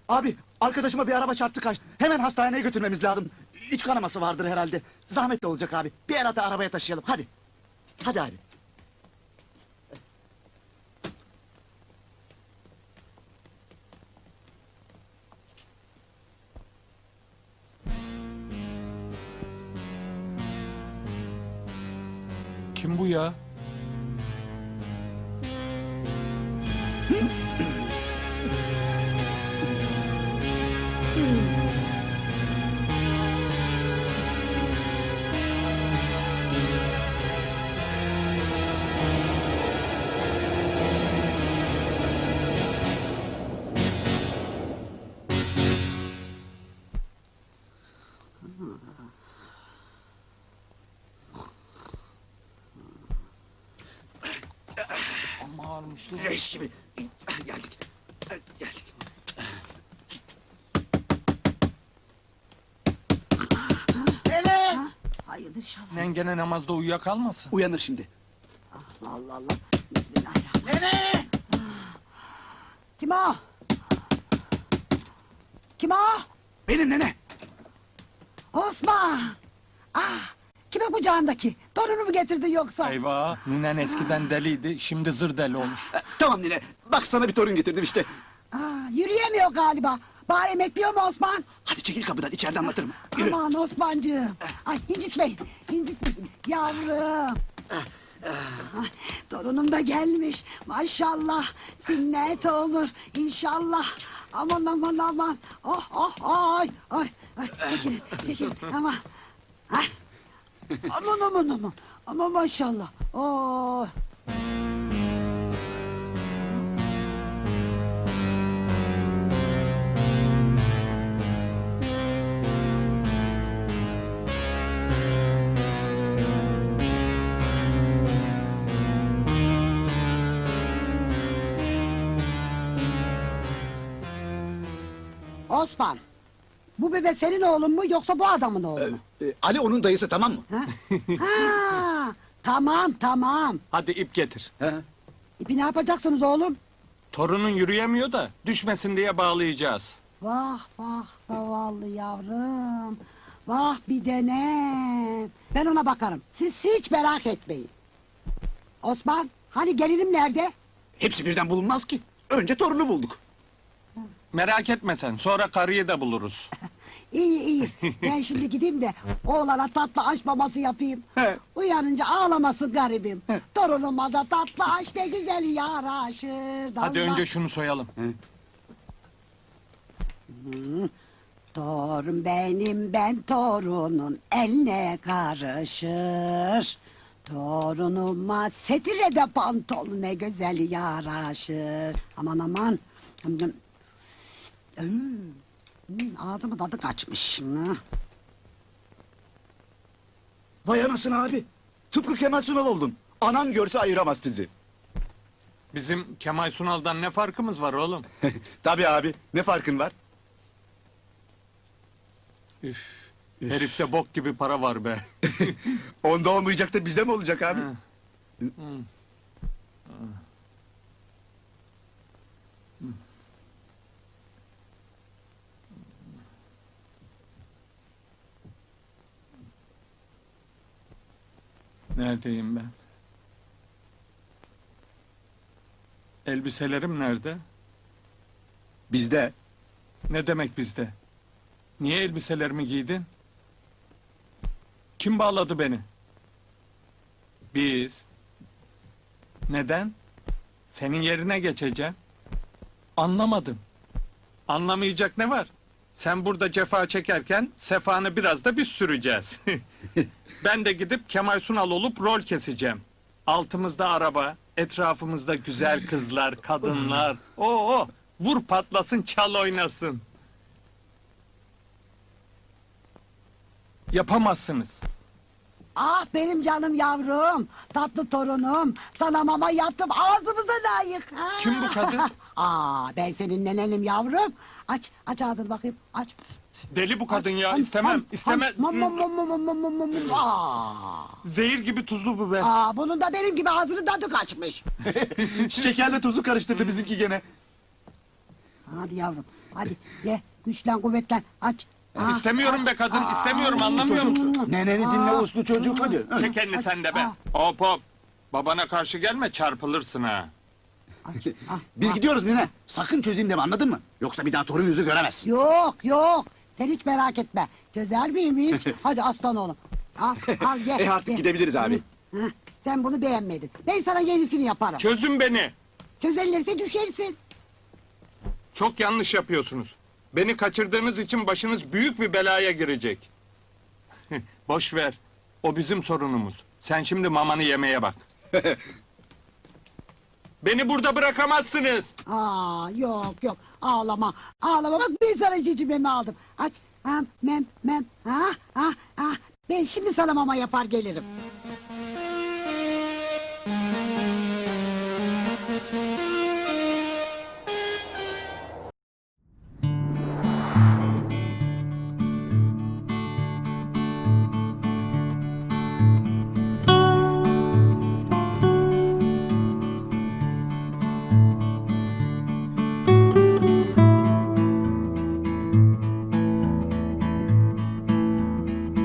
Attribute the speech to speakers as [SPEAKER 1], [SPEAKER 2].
[SPEAKER 1] Abi, arkadaşıma bir araba çarptı kaçtı. Hemen hastaneye götürmemiz lazım. İç kanaması vardır herhalde. Zahmetli olacak abi. Bir el ata arabaya taşıyalım, hadi. Hadi abi.
[SPEAKER 2] Kim bu ya? Amma ağırmış lan.
[SPEAKER 1] Leş gibi. Geldik. Geldik. Hele!
[SPEAKER 3] Hayırdır inşallah.
[SPEAKER 2] Nen gene namazda uyuyakalmasın.
[SPEAKER 1] Uyanır şimdi.
[SPEAKER 3] Allah Allah Allah. Bismillahirrahmanirrahim.
[SPEAKER 1] Nene!
[SPEAKER 3] Kim o? Kim o?
[SPEAKER 1] Benim nene.
[SPEAKER 3] Osman. Ah, kime kucağındaki? Torunu mu getirdin yoksa?
[SPEAKER 2] Eyvah, ninen eskiden deliydi, şimdi zır deli olmuş.
[SPEAKER 1] Tamam nene, bak sana bir torun getirdim işte.
[SPEAKER 3] Yürüyemiyor galiba. Bari emekliyor mu Osman?
[SPEAKER 1] Hadi çekil kapıdan, içeride anlatırım. Yürü.
[SPEAKER 3] Aman Osmancığım. Ay incitmeyin. İncitmeyin. Yavrum. Ay, torunum da gelmiş. Maşallah. Sünnet olur. İnşallah. Aman aman aman. Oh oh ay. Ay. Ay. Çekil. Çekil. Aman. Ay. Aman aman aman. Aman maşallah. Oh. Osman, bu bebe senin oğlun mu yoksa bu adamın oğlu mu?
[SPEAKER 1] Ali onun dayısı, tamam mı?
[SPEAKER 3] Ha? Ha, tamam tamam.
[SPEAKER 2] Hadi ip getir.
[SPEAKER 1] He.
[SPEAKER 3] İpi ne yapacaksınız oğlum?
[SPEAKER 2] Torunun yürüyemiyor da, düşmesin diye bağlayacağız.
[SPEAKER 3] Vah vah zavallı yavrum. Vah bir denem. Ben ona bakarım. Siz hiç merak etmeyin. Osman, hani gelinim nerede?
[SPEAKER 1] Hepsi birden bulunmaz ki. Önce torunu bulduk.
[SPEAKER 2] Merak etme sen, sonra karıyı da buluruz.
[SPEAKER 3] İyi iyi. Ben şimdi gideyim de oğlana tatlı aş maması yapayım.
[SPEAKER 1] He.
[SPEAKER 3] Uyanınca ağlamasın garibim. Torunuma da tatlı aş ne güzel yaraşır.
[SPEAKER 2] Hadi
[SPEAKER 3] Allah.
[SPEAKER 2] önce şunu soyalım.
[SPEAKER 3] Torun benim ben torunun eline karışır. Torunuma setire de pantol ne güzel yaraşır. Aman aman. Ağzımın tadı kaçmış.
[SPEAKER 1] Vay anasını abi. Tıpkı Kemal Sunal oldun. Anan görse ayıramaz sizi.
[SPEAKER 2] Bizim Kemal Sunal'dan ne farkımız var oğlum?
[SPEAKER 1] Tabii abi, ne farkın var?
[SPEAKER 2] Üf, herifte bok gibi para var be.
[SPEAKER 1] Onda olmayacak da bizde mi olacak abi?
[SPEAKER 2] Ha. Neredeyim ben? Elbiselerim nerede?
[SPEAKER 1] Bizde.
[SPEAKER 2] Ne demek bizde? Niye elbiselerimi giydin? Kim bağladı beni? Biz. Neden? Senin yerine geçeceğim. Anlamadım. Anlamayacak ne var? Sen burada cefa çekerken sefanı biraz da biz süreceğiz. Ben de gidip Kemal Sunal olup rol keseceğim. Altımızda araba, etrafımızda güzel kızlar, kadınlar. Oo, vur patlasın, çal oynasın. Yapamazsınız.
[SPEAKER 3] Ah benim canım yavrum, tatlı torunum. Sana mama yaptım ağzımıza layık. Ha.
[SPEAKER 2] Kim bu kadın?
[SPEAKER 3] Ben senin nenenim yavrum. Aç, aç ağzını bakayım, aç.
[SPEAKER 2] Deli bu kadın ya,
[SPEAKER 3] Ham,
[SPEAKER 2] istemem,
[SPEAKER 3] ham,
[SPEAKER 2] istemem.
[SPEAKER 3] ham, ham, ham, ham, ham, ham, ham, ham.
[SPEAKER 2] Zehir gibi tuzlu bu be.
[SPEAKER 3] Bunun da benim gibi ağzının tadı kaçmış.
[SPEAKER 1] Şekerle tuzu karıştırdı bizimki gene.
[SPEAKER 3] Hadi yavrum, Hadi ye, güçlen kuvvetlen, aç. Ah,
[SPEAKER 2] İstemiyorum
[SPEAKER 3] aç.
[SPEAKER 2] be kadın, istemiyorum, anlamıyor musun?
[SPEAKER 1] Neneni dinle uslu çocuk hadi.
[SPEAKER 2] Çek elini sen de be. Hop hop. Babana karşı gelme, çarpılırsın ha.
[SPEAKER 3] Aç, ah,
[SPEAKER 1] Biz
[SPEAKER 3] ah.
[SPEAKER 1] gidiyoruz nene. Sakın çözeyim deme anladın mı? Yoksa bir daha torun yüzü göremezsin.
[SPEAKER 3] Yok yok, sen hiç merak etme. Çözer miyim hiç? Hadi aslan oğlum. Al ye.
[SPEAKER 1] Artık
[SPEAKER 3] ye.
[SPEAKER 1] gidebiliriz abi.
[SPEAKER 3] Heh, sen bunu beğenmedin. Ben sana yenisini yaparım.
[SPEAKER 2] Çözün beni.
[SPEAKER 3] Çözülürse düşersin.
[SPEAKER 2] Çok yanlış yapıyorsunuz. Beni kaçırdığınız için başınız büyük bir belaya girecek. Boş ver. O bizim sorunumuz. Sen şimdi mamanı yemeye bak. Beni burada bırakamazsınız.
[SPEAKER 3] Yok yok, ağlama. Ağlama, bak ben sana cicimemi aldım. Aç. Mem. Ben şimdi sana mama yapar gelirim.